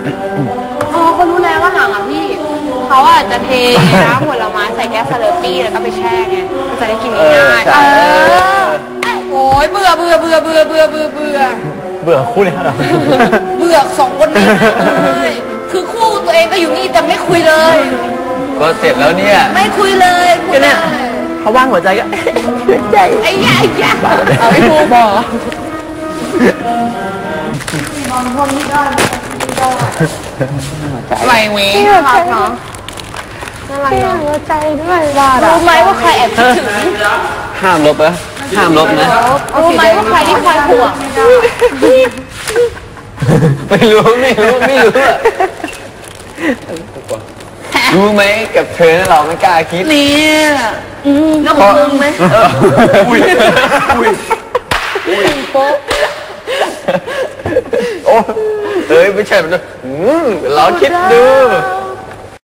อ๋อเขารู้แล้วว่าหลังอ่ะพี่เขาอาจจะเทน้ำผลไม้ใส่แก้วสเลอปี้แล้วก็ไปแช่ไงมันจะได้กินง่ายโอ้ยเบื่อคู่นี้เหรอเบื่อสองคนนี้คือคู่ตัวเองก็อยู่นี่แต่ไม่คุยเลยก็เสร็จแล้วเนี่ยไม่คุยเลยก็เนี่ยเขาว่างหัวใจก็หัวใจไอ้ยาเอาไปพูบอกพวกนี้ก็ไหวเว้ยรักเนาะน่ารักเนาะหัวใจด้วยรู้ไหมว่าใครแอบคิดถึงห้ามลบนะห้ามลบนะรู้ไหมว่าใครที่คอยห่วงไม่รู้รู้ไหมกับเธอเราไม่กล้าคิดเนี่ยน้องมึงไหมอุ้ยโป๊ะโอ้เอ้ยไม่ใช่มันเราคิดดู